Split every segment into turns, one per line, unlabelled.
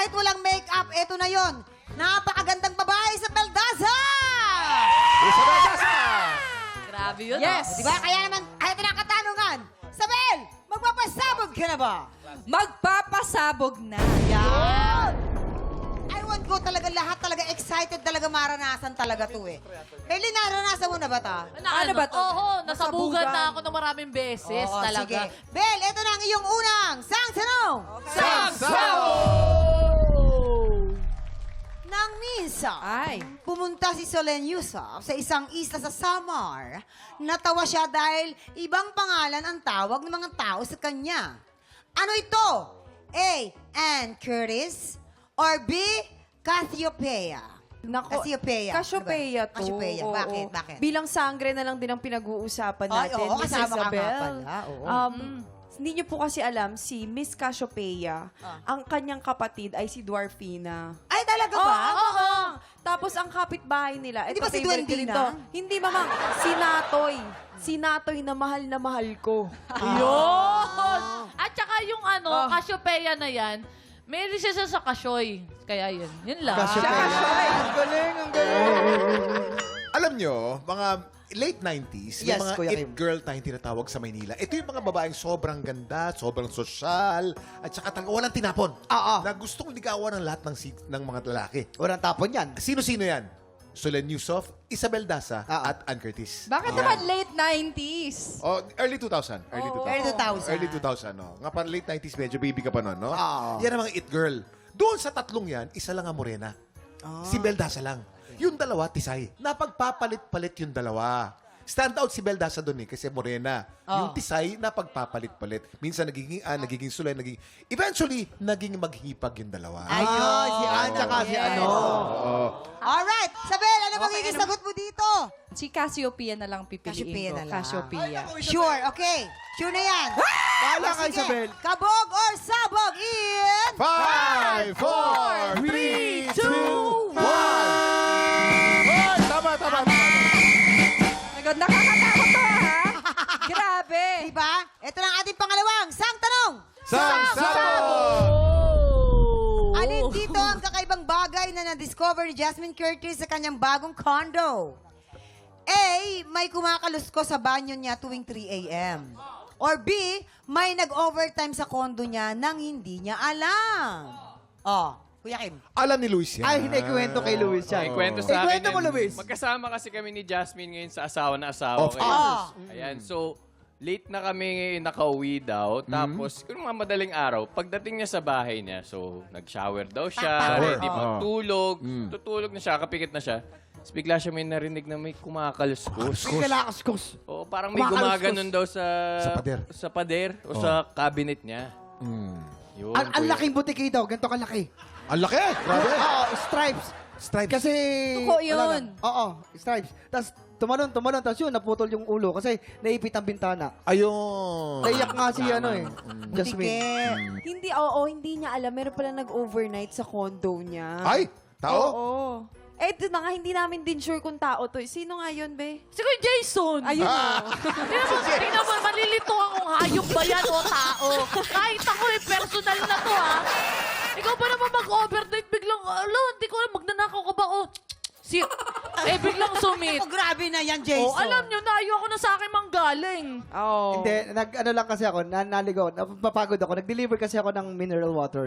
kahit walang make-up, eto na yon. Napakagandang babae sa Beldaza!
Isabel Daza!
Grabe yun.
Yes! Di ba? Kaya naman, eto na ang katanungan. Sabel, magpapasabog ka na ba?
Magpapasabog na.
Yan! I want ko talaga, lahat talaga excited talaga maranasan talaga to eh. Beli, naranasan mo na ba ta?
Ano ba to?
Oo, nasabugan
Nasabugan.
na ako ng maraming beses
Oo,
talaga.
sige. Bel, eto na ang iyong unang sang tanong. Nang minsan,
Ay.
pumunta si Solen Yusuf sa isang isla sa Samar. Natawa siya dahil ibang pangalan ang tawag ng mga tao sa kanya. Ano ito? A. Ann Curtis or B. Cassiopeia?
Nako,
Cassiopeia.
Cassiopeia
Ano ba?
to.
Cassiopeia.
Oo.
Bakit? Bakit?
Bilang sangre na lang din ang pinag-uusapan
Ay,
natin,
oo,
Miss
kasama ka nga
Isabel.
pala, oo.
Hindi niyo po kasi alam, si Miss Cassiopeia, ang kanyang kapatid ay si Dwarfina.
Ay, talaga ba?
Oo. Tapos ang kapitbahay nila,
Hindi
ito
ba si
favorite ko rin
Duendina?
to. Hindi, mamang. Si Natoy. Si Natoy na mahal ko.
Yun! At saka yung
Oh.
Cassiopeia na yan, may siya sa Kasyoy. Kaya yun. Yun lang.
Ang galing, ang galing.
Alam nyo, mga late 90s, may
Yes,
mga
Kuya
it
Kim.
girl tayong tinatawag sa Maynila. Ito yung mga babaeng sobrang ganda, sobrang sosyal, at saka talaga walang tinapon.
Oo.
Na gustong ligawan ng lahat ng mga lalaki.
Walang tapon yan.
Sino-sino yan? Solen Yusuf, Isabel Daza,
Ah, ah.
at Ann Curtis.
Bakit naman late 90s?
Oh, early 2000. Early 2000.
Early 2000.
Early 2000, no? Nga parang late 90s, medyo baby ka pa noon, no?
Oo.
Yan ang mga it girl. Doon sa tatlong yan, isa lang ang morena. Si Beldaza lang. Yung dalawa, tisay. Napagpapalit-palit yung dalawa. Stand out si Beldaza doon eh, kasi morena. Yung tisay, napagpapalit-palit. Minsan nagiging sulay, eventually, naging maghipag yung dalawa.
Ayun, si Ann tsaka si ano.
Alright, Sabel, ano magiging sagot mo dito?
Si Cassiopeia na lang pipiliin
Cassiopeia
ko.
na lang.
Cassiopeia.
Sure, okay. Sure na yan.
Bahala ka,
Sige,
Isabel.
kabog or sabog in...
5, 4, 3, 2, 1! Hoy, tama, tama, tama.
Nakakatakot to, ha? Grabe.
Diba? Ito na ang ating pangalawang sang tanong. Alin dito ang kakaibang bagay na na-discover ni Jasmine Curtis sa kanyang bagong condo? A. May kumakalusko sa banyo niya tuwing 3 a.m. Or B. May nag-overtime sa condo niya nang hindi niya alam. Oh, Kuya Kim.
Alam ni Luis yan.
Ay, hinikwento kay Luis yan.
Ikwento sa akin.
Ikwento mo,
yan.
Luis.
Magkasama kasi kami ni Jasmine ngayon sa asawa na asawa.
Of
ngayon.
course.
Ayan, so late na kami nakauwi daw. Tapos, kung mga madaling araw, pagdating niya sa bahay niya, so nag-shower daw siya, ready magtulog. Tutulog na siya, kapikit na siya. Tapos bigla siya may narinig na may kumakaluskos.
Kalakaskus.
O parang may
Kumakaluskos.
gumaganon daw sa
pader.
sa pader o sa cabinet niya. Yun,
Ang
kuya.
laking butiki daw, ganito kalaki.
Ang laki! Grabe!
Oo, stripes.
Stripes.
Kasi...
Tuko
wala
yun.
na. Oo, stripes. Tapos tumalon, tapos yun, naputol yung ulo kasi naipit ang bintana.
Ayun.
Naiyak nga si ano eh. Jasmine.
Hindi, hindi niya alam. Meron pala nag-overnight sa condo niya.
Ay! Tao?
Oo. Eh, ito na nga, hindi namin din sure kung tao to. Sino nga yun, be?
Si Kuya Jason.
Ayun
Tingnan mo, malilito akong hayop ba yan o tao. Kahit ako personal na to Ikaw ba naman mag-overnight biglang, hindi ko alam, magnanakaw ka ba? Biglang sumit.
Oh, grabe na yan, Jason.
Alam nyo na, ayoko na sa akin manggaling.
Oo.
Hindi, ano lang kasi ako, naligaw, napapagod ako. Nag-deliver kasi ako ng mineral water.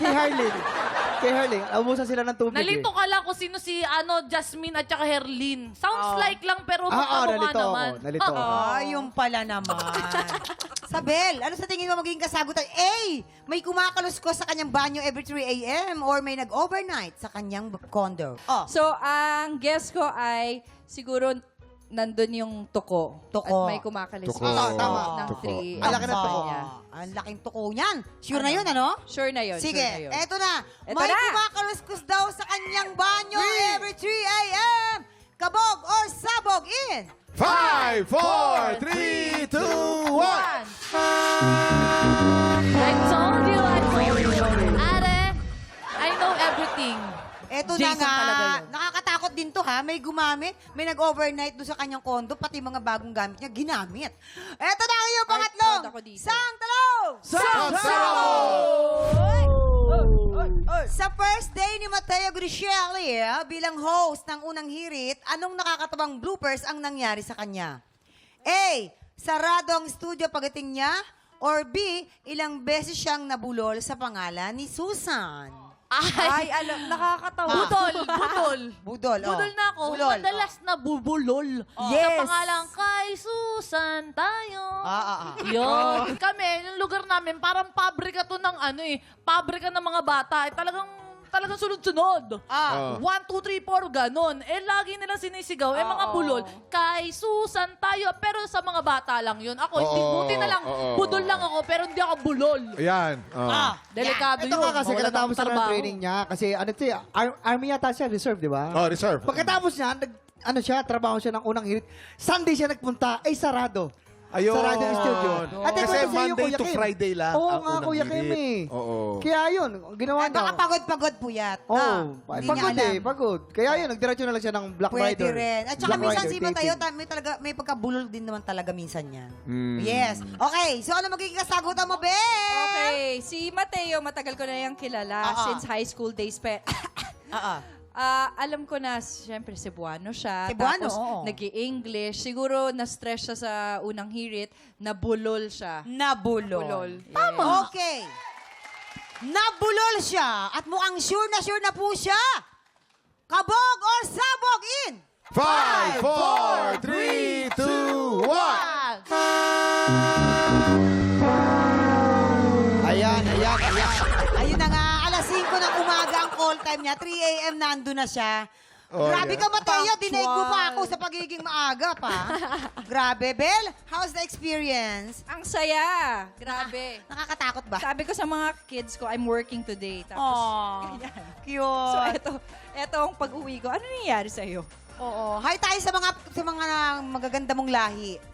Kay Harling, abusan sila ng tubig
Nalito
eh.
ka lang kung sino si Jasmine at saka Herlin. Sounds like lang pero
Oo,
magkamukha
nalito ako.
naman.
Nalito ako.
Ay, yung pala naman. Sabel, ano sa tingin mo magiging kasagutan? A. May kumakaluskos sa kanyang banyo every 3 a.m. or may nag-overnight sa kanyang condo. Oh,
So, ang guess ko ay siguro nandun yung tuko.
Tuko.
At may kumakalis
Tuko.
Tama.
ng
Tuko.
3.
Ang laki ng tuko.
Ang laking tuko niyan. Sure na yun, ano?
Sure na yun.
Sige,
sure na yun.
eto na.
Eto
May
na.
kumakaluskos daw sa kanyang banyo every 3 a.m. Kabog or sabog in?
5, 4, 3, 2, 1!
I told you. Are, I know everything.
Eto
Jason
na nga.
talaga yun.
Nakakatakot din to ha. May gumamit. May nag-overnight doon sa kanyang condo. Pati mga bagong gamit niya, ginamit. Eto na ang iyong
Ay,
pangatlong.
proud ako dito.
Sang talong!
Sam!
Sa first day ni Mateo Grishelli bilang host ng unang hirit, anong nakakatawang bloopers ang nangyari sa kanya? A. Sarado ang studio pagdating niya. Or B. Ilang beses siyang nabulol sa pangalan ni Susan.
Ay, alam, nakakatawa.
Budol.
Budol, oh.
Budol na ako.
Bulol,
Madalas na bubulol.
Yes.
Sa pangalang kay Susan tayo. Yun. Kami, yung lugar namin, parang pabrika to ng pabrika ng mga bata. Talagang sunod-sunod. 1, 2, 3, 4, ganon. Lagi nilang sinisigaw. Mga bulol, kay Susan tayo. Pero sa mga bata lang yun. Ako, hindi, buti na lang, budol lang ako, pero hindi ako bulol.
Ayan.
Delikado
Ito
yun.
nga kasi
Mawalan
katapos
ng
na ng
trabaho.
training niya. Kasi army yata siya, reserve, di ba?
Oh, reserve.
Pagkatapos niya, trabaho siya ng unang hirit. Sunday siya nagpunta, sarado.
Ayun.
Sarado yung studio. At
Kasi
ito sa'yo,
Monday
Kuya
to
Kim.
Friday lang
Oo
ang
nga,
unang
Kuya Kim
hirit.
eh.
Oo.
Kaya yun, ginawa niya.
Baka pagod-pagod puyat.
Oo.
Hindi
Pagod
niya alam.
pagod. Kaya yun, nagdiretso na lang siya ng Black
Pwede
Rider.
rin. At saka
Black
minsan
Rider
si Mateo,
taping.
may pagkabulol din naman talaga minsan yan. Yes. Okay, so ano magiging kasagutan mo, Be?
Okay, si Mateo, matagal ko na yung kilala since high school days. Alam ko na, siyempre, Cebuano siya.
Cebuano,
Tapos,
oo.
nag-i-English. Siguro, na-stress siya sa unang hirit. Nabulol siya.
Nabulol.
Tama.
Okay. Nabulol siya at mukhang sure na po siya. Kabog or sabog in
5, 4, 3, 2, 1.
Ayan.
Ayun na nga, alas 5 ng umaga ang call time niya. 3 a.m. nandun na siya.
Oh,
Grabe
yeah.
ka, Mateo. Dinaig mo pa ako sa pagiging maaga pa. Grabe, Bel. How's the experience?
Ang saya. Grabe.
Nakakatakot ba?
Sabi ko sa mga kids ko, I'm working today. Tapos,
Aww.
ganyan.
Cute.
So, eto ang pag-uwi ko. Ano nangyayari sa'yo?
Oo. Hi tayo sa mga magaganda mong lahi.